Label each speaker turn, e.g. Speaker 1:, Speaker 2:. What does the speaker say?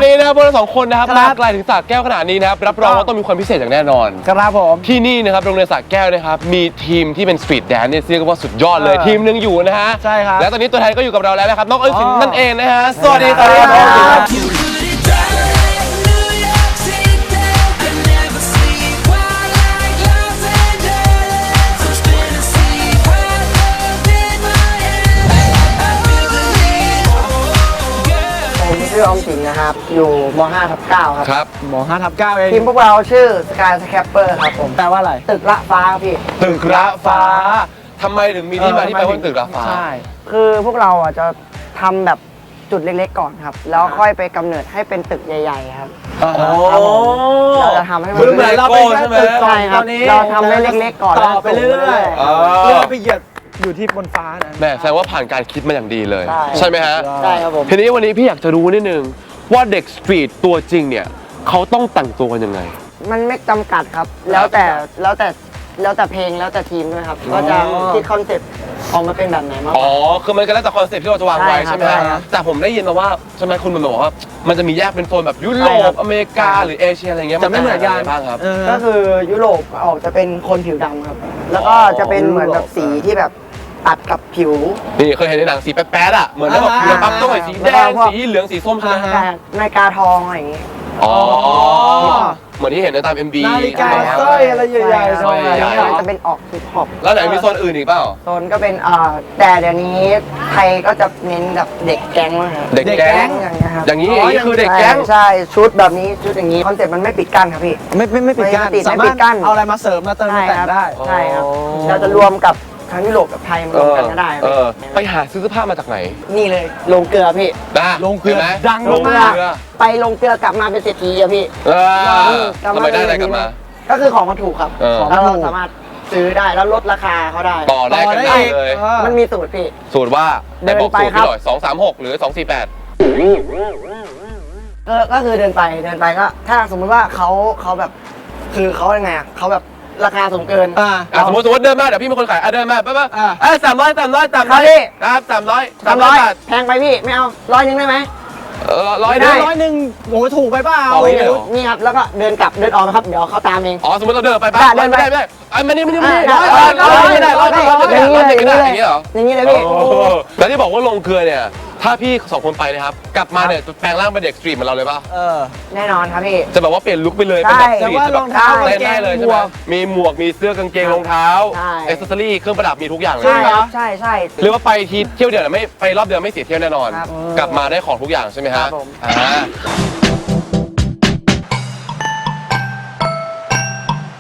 Speaker 1: วันนี้นะครับพวกเรา2 คนนะครับมาไกลถึงสระแก้วขนาดนี้นะครับรับรองว่าต้องมีความพิเศษอย่างแน่นอน
Speaker 2: ครับผม
Speaker 1: ที่นี่นะครับโรงเรียนสระแก้วนะครับมีทีมที่เป็นสตรีทแดนซ์เนี่ยเรียกว่าสุดยอดเลยทีมนึงอยู่นะฮะ
Speaker 2: ใช่ครับ
Speaker 1: และตอนนี้ตัวแทนก็อยู่กับเราแล้วนะครับน้องเอิญศิลป์นั่นเองนะฮะสวัสดีครับ
Speaker 3: ชื่อออมสินนะครับอยู่ม.5/9 ครับ
Speaker 1: ครับ
Speaker 2: ม.5/9 เอง
Speaker 3: ทีมพวกเราชื่อ Sky Scrapper ครับผม
Speaker 2: แปลว่าอะไร
Speaker 3: ตึกละฟ้าพี่
Speaker 1: ตึกระฟ้าทำไมถึงมีที่มาที่ไปว่าตึกระฟ้า
Speaker 2: ใช่
Speaker 3: คือพวกเราอ่ะจะทำแบบจุดเล็กๆก่อนครับแล้วค่อยไปกำเนิดให้เป็นตึกใหญ่ๆครับเราจะทำให้มัน
Speaker 1: เหมือนเราเป็นแค่ตึก
Speaker 3: ใช่ครับเราทำให้เล็กๆก่อน
Speaker 2: ต่อไปเรื่อยๆเพื่อไปเหยียดอยู่ที่บนฟ้านะ
Speaker 1: แม่แสดงว่าผ่านการคิดมาอย่างดีเลยใช่ไหมฮะ
Speaker 3: ใช่ครับผม
Speaker 1: ทีนี้วันนี้พี่อยากจะรู้นิดนึงว่าเด็กสตรีทตัวจริงเนี่ยเขาต้องแต่งตัวกันยังไง
Speaker 3: มันไม่จำกัดครับแล้วแต่เพลงแล้วแต่ทีมด้วยครับก็จะคิดคอนเซ็ปต์ออกมาเป็นแบบไหนมาก
Speaker 1: อ๋อคือมันก็แล้วแต่คอนเซ็ปต์ที่เราจะวางไว้ใช่ไหมฮะแต่ผมได้ยินมาว่าใช่ไหมคุณมันบอกว่ามันจะมีแยกเป็นโซนแบบยุโรปอเมริกาหรือเอเชียอะไรเงี้ย
Speaker 2: จะไม่เหมือนกัน
Speaker 1: บ้างครับ
Speaker 3: ก็คือยุโรปออกจะเป็นคนผิวดำครับแล้วก็จะเป็นเหมือนแบบสีที่แบบตัดกับผิว
Speaker 1: นี่เคยเห็นในหนังสีแป๊ดๆอ่ะเหมือนแล้วแบบปั๊บต้องใส่สีแดงสีเหลืองสีส้มใช่ไหมฮะ
Speaker 3: นาฬิกาทองอะไรอย่างงี้
Speaker 1: อ๋อเหมือนที่เห็นในตาม MV
Speaker 2: นาฬิกาสร้อยอะไรใหญ่ๆ
Speaker 3: สร้อยจะเป็นออกฮิปฮอป
Speaker 1: แล้วไหนมีโซนอื่นอีกเปล่า
Speaker 3: โซนก็เป็นแต่เดี๋ยวนี้ไทยก็จะเน้นแบบเด็กแก๊งนะครับ
Speaker 1: เด็กแก๊ง
Speaker 3: อย่างเงี้ยครับ
Speaker 1: อย่างนี้คือเด็กแก๊ง
Speaker 3: ใช่ชุดแบบนี้ชุดอย่างนี้คอนเซ็ปต์มันไม่ปิดกั้นครับพี่
Speaker 2: ไม่ปิดกั้นสามารถเอาอะไรมาเสริมมาเติมมาแต่งได้
Speaker 3: ใช่ครับเราจะรวมกับทั้งยุโรปกับไทยมารวมกันก็ได้
Speaker 1: ไปหาซื้อเสื้อผ้ามาจากไหน
Speaker 3: นี่เลยลงเกลือพี่
Speaker 1: ลงเกลือ
Speaker 2: ดัง
Speaker 3: ลงเกลือไปลงเกลือกลับมาเป็นเศรษฐีอะพี่
Speaker 1: ทำไมได้อะไรกลับมา
Speaker 3: ก็คือของมันถูกครับแล้วเราสามารถซื้อได้แล้วลดราคาเขาได้
Speaker 1: ต่อได้กันได้เลย
Speaker 3: มันมีสูตรพี่
Speaker 1: สูตรว่าได้บอกสูตรพี่หน่อย236หรือ248
Speaker 3: ก็คือเดินไปก็ถ้าสมมติว่าเขาแบบคือเขายังไงอ่ะเขาแบบราคาสูงเกิน
Speaker 1: สมมติเดินมาเดี๋ยวพี่เป็นคนขายเดินมาปั๊บ300ครับ300
Speaker 3: แพงไปพี่ไม่เอา100ได้ไหม
Speaker 2: 100โหถูกไปเปล่า
Speaker 3: นี่ครับแล้วก็เดินกลับเดินออกนะครับเดี๋ยวเขาตามเอง
Speaker 1: อ๋อสมมติเราเดินไปปั๊บ
Speaker 3: เดินไป
Speaker 1: ไม่มานี่
Speaker 3: อย่างนี้เลยพี่
Speaker 1: แล้วที่บอกว่าลงเกลือเนี่ยถ้าพี่2 คนไปนะครับกลับมาเนี่ยจะแปลงร่างเป็นเด็กสตรีทเหมือนเราเลยป่ะ
Speaker 3: แน่นอนครับพี่
Speaker 1: จะแบบว่าเปลี่ยนลุคไปเลยเป็นแบบสตรีท
Speaker 2: รองเท้า
Speaker 1: ได้เลยใช่ไหมมีหมวกมีเสื้อกางเกงรองเท้าแอคเซสซอรี่เครื่องประดับมีทุกอย่างเลย
Speaker 3: ใช่
Speaker 1: เรียกว่าไปทีเที่ยวเดียวไม่ไปรอบเดียวไม่เสียเที่ยวแน่นอนกลับมาได้ของทุกอย่างใช่ไหมฮะ